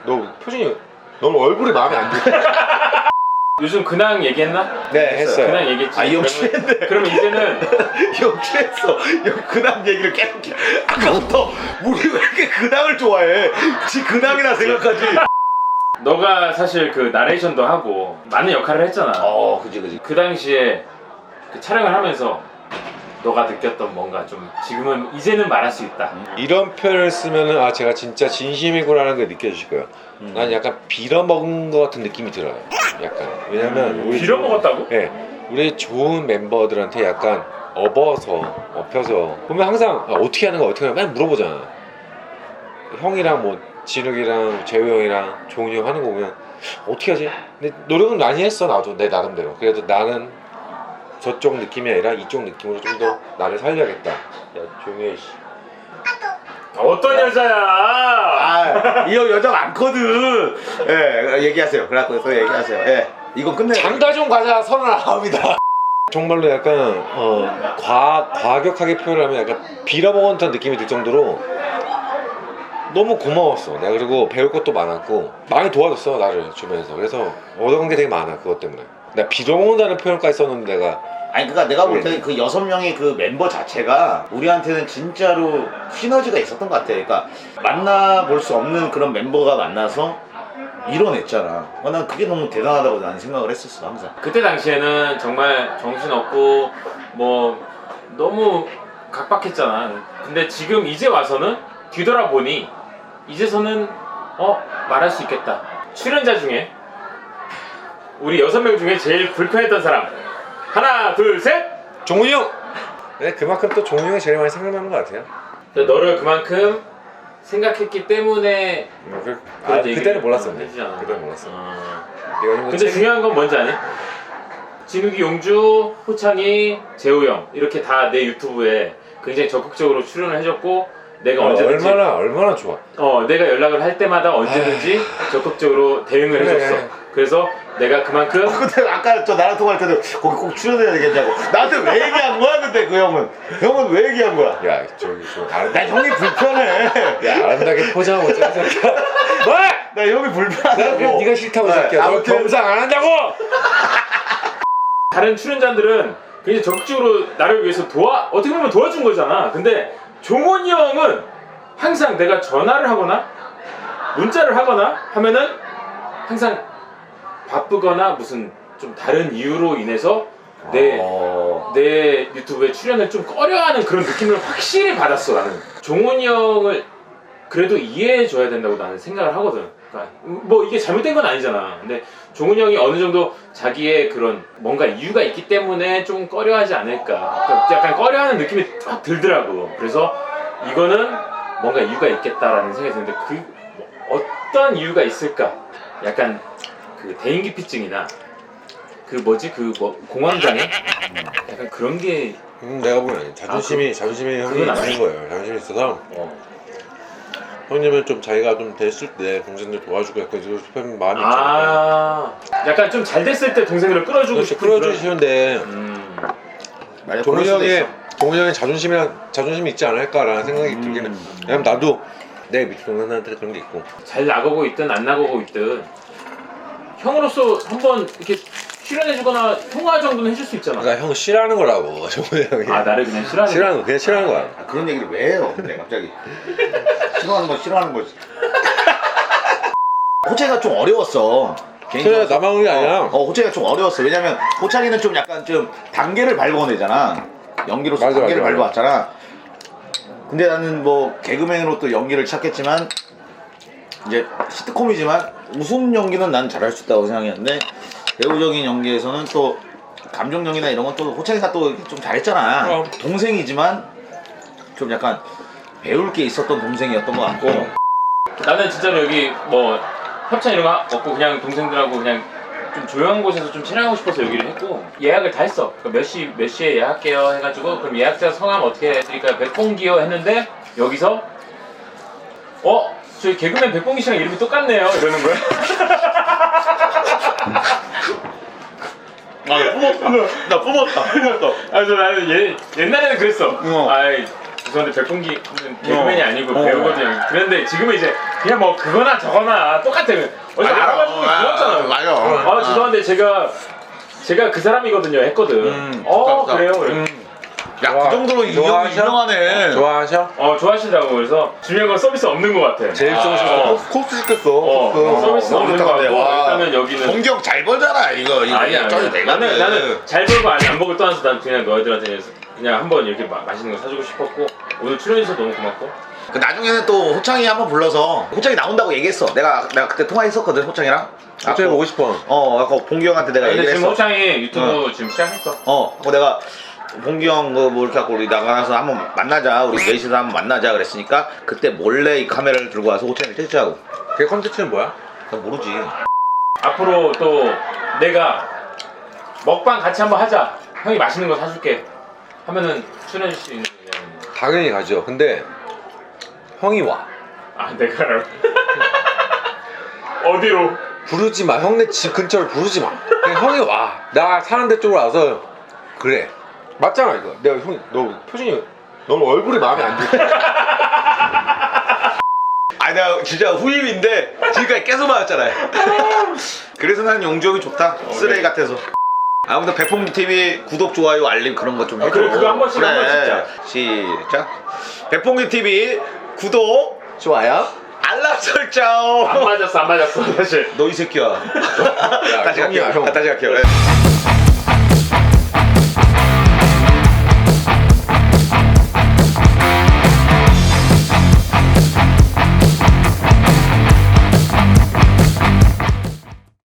너 표정이 너는 얼굴이 마음에 안 들어. 요즘 근황 얘기했나? 네 했어요. 근황 얘기했지. 아, 이 형 취했네. 그러면 이제는 형 취했어. 형 근황 얘기를 계속 아까부터 우리 왜 이렇게 근황을 좋아해? 지 근황이라 생각하지. 너가 사실 그 나레이션도 하고 많은 역할을 했잖아. 그지. 그 당시에 그 촬영을 하면서 너가 느꼈던 뭔가 좀 지금은 이제는 말할 수 있다. 이런 표현을 쓰면은 아 제가 진짜 진심이구나라는 게 느껴지실 거예요. 난 약간 빌어먹은 것 같은 느낌이 들어요. 약간 왜냐면 우리 빌어먹었다고? 네, 우리 좋은 멤버들한테 약간 업혀서 보면 항상 어떻게 하는 거 맨날 물어보잖아. 형이랑 뭐 진욱이랑 재우 형이랑 종훈이 형 하는 거 보면 어떻게 하지? 근데 노력은 많이 했어 나도 내 나름대로. 그래도 나는 저쪽 느낌이 아니라 이쪽 느낌으로 좀 더 나를 살려야겠다. 야 조용히 해. 어떤 여자야? 이 형 여자 많거든. 예, 얘기하세요. 그래서 얘기하세요. 예, 이거 끝내. 장가 좀 가자 39이다. 정말로 약간 과격하게 표현하면 약간 빌어먹은 듯한 느낌이 들 정도로 너무 고마웠어. 내가 그리고 배울 것도 많았고 많이 도와줬어 나를 주변에서. 그래서 얻어간 게 되게 많아 그것 때문에. 내가 빌어먹는다는 표현까지 썼는데 내가 아니 그러니까 내가 볼 때 그 6명의 그 멤버 자체가 우리한테는 진짜로 시너지가 있었던 것 같아. 그러니까 만나볼 수 없는 그런 멤버가 만나서 이뤄냈잖아. 난 그게 너무 대단하다고 나는 생각을 했었어 항상. 그때 당시에는 정말 정신없고 뭐 너무 각박했잖아. 근데 지금 이제 와서는 뒤돌아보니 이제서는 말할 수 있겠다. 출연자 중에 우리 6명 중에 제일 불편했던 사람 하나 둘 셋! 종훈이 형! 네, 그만큼 또 종훈이 형이 제일 많이 생각나는 것 같아요. 너를 그만큼 생각했기 때문에 그때는 몰랐어. 되잖아. 그때는 몰랐어. 근데 중요한 건 뭔지 아니? 진욱이, 용주, 호창이, 재우 형 이렇게 다 내 유튜브에 굉장히 적극적으로 출연을 해줬고 내가 언제든지 얼마나 좋아. 내가 연락을 할 때마다 언제든지 적극적으로 대응을 해줬어. 그래서 내가 그만큼 근데 아까 저 나랑 통화할 때도 거기 꼭 출연해야 되겠냐고 나한테 왜 얘기한 거야 근데 그 형은 왜 얘기한 거야? 야 저기 나 형이 불편해. 야 아름답게 포장하고 있잖아 새끼야. 뭐? 나 형이 불편하다고. 네가 싫다고 새끼야. 너 겸상 안 한다고. 다른 출연자들은 굉장히 적극적으로 나를 위해서 어떻게 보면 도와준 거잖아. 근데 종원이 형은 항상 내가 전화를 하거나 문자를 하거나 하면은 항상 바쁘거나 무슨 좀 다른 이유로 인해서 내 유튜브에 출연을 좀 꺼려하는 그런 느낌을 확실히 받았어. 나는 종원이 형을 그래도 이해해줘야 된다고 나는 생각을 하거든. 그러니까 뭐 이게 잘못된 건 아니잖아. 근데 종훈이 형이 어느 정도 자기의 그런 뭔가 이유가 있기 때문에 좀 꺼려하지 않을까. 그러니까 약간 꺼려하는 느낌이 딱 들더라고. 그래서 이거는 뭔가 이유가 있겠다라는 생각이 드는데 어떤 이유가 있을까? 약간 그 대인기피증이나 그 공황장애? 약간 그런 게 내가 보기엔 자존심이 형이 그건 있는 거예요. 자존심이 있어서 형님은 좀 자기가 좀 됐을 때 동생들 도와주고 약간 이런 마음이 있잖아요. 약간 좀 잘 됐을 때 동생들을 끌어주고 싶은 끌어주시는데 종훈이 형의 자존심이 있지 않을까라는 생각이 들기는. 왜냐면 나도 내 밑에 동생한테 그런 게 있고 잘 나가고 있든 안 나가고 있든 형으로서 한번 이렇게 출연해주거나 통화 정도는 해줄 수 있잖아. 그러니까 형 싫어하는 거라고 종훈이 형이. 나를 그냥 싫어하는 그냥 싫어하는 거야. 그런 얘기를 왜 해요 근데 갑자기. 싫어하는 거지. 호창이가 좀 어려웠어. 그래 나만 그런 게 아니야. 호창이가 좀 어려웠어. 왜냐면 호창이는 좀 약간 좀 단계를 밟아내잖아. 연기로서 단계를 밟아왔잖아. 근데 나는 뭐 개그맨으로 또 연기를 시작했지만 이제 시트콤이지만 웃음 연기는 난 잘할 수 있다고 생각했는데 배우적인 연기에서는 또 감정 연기나 이런 건 또 호창이가 또 좀 잘했잖아. 동생이지만 좀 약간 배울 게 있었던 동생이었던 것 같고. 나는 진짜로 여기 뭐 협찬 이런 거 없고 그냥 동생들하고 그냥 좀 조용한 곳에서 좀 촬영하고 싶어서 여기를 했고 예약을 다 했어. 그러니까 몇 시에 예약할게요 해가지고 그럼 예약자 성함 어떻게 해드릴까요? 백봉기요 했는데 여기서 저희 개그맨 백봉기 씨랑 이름이 똑같네요 이러는 거야. 나 뿜었다. 그래서 나는 옛날에는 그랬어. 죄송한데 백봉기 개그맨이 아니고 배우거든요. 그런데 지금은 이제 그냥 뭐 그거나 저거나 똑같아. 어제 알아가지고 불렀잖아요. 맞아. 아 죄송한데 제가 그 사람이거든요 했거든. 좋다. 그래요. 야, 그 정도로 이 형이 유명하네. 좋아하셔? 좋아하신다고. 그래서 중요한 건 서비스 없는 것 같아. 제일 좋으셔서 코스 시켰어. 서비스 너무 없는 것 좋다, 근데. 같고 와. 일단은 여기는 공경 잘 벌잖아 이거 아니야. 쪄도 되거든. 나는 잘 벌고 안 벌고 떠나서 난 그냥 너희들한테 그냥 한번 이렇게 맛있는 거 사주고 싶었고 오늘 출연해주셔서 너무 고맙고. 그 나중에는 또 호창이 한번 불러서 호창이 나온다고 얘기했어. 내가 그때 통화했었거든 호창이랑. 갑자기 보고 싶어. 아까 봉기 형한테 내가 근데 얘기를 지금 했어. 호창이 유튜브 지금 시작했어. 하고 내가 봉기 형뭐 이렇게 하고 우리 나가서 한번 만나자. 우리 넷이서 한번 만나자 그랬으니까 그때 몰래 이 카메라를 들고 와서 호창이를 찍자고. 걔 컨텐츠는 뭐야? 난 모르지. 앞으로 또 내가 먹방 같이 한번 하자. 형이 맛있는 거 사줄게. 하면은 출연해줄 수 있는 그냥. 당연히 가죠. 근데 형이 와. 내가 어디로? 부르지 마. 형네 집 근처를 부르지 마. 그냥 형이 와. 나 사는 데 쪽으로 와서 그래. 맞잖아 이거. 내가 너 표정이 너무 얼굴이 마음에 안 들어. 아니 내가 진짜 후임인데 지금까지 계속 맞았잖아요. 그래서 난 용주 형이 좋다. 쓰레기 같아서. 아무튼 백봉 TV 구독 좋아요 알림 그런 거 좀 해줘. 그래, 그거 한 번씩 한번 시작. 백봉기 TV 구독 좋아요. 알람 설정. 안 맞았어 사실. 너 이 새끼야. 야, 다시 형이야, 갈게요. 형. 다시 갈게요. 네.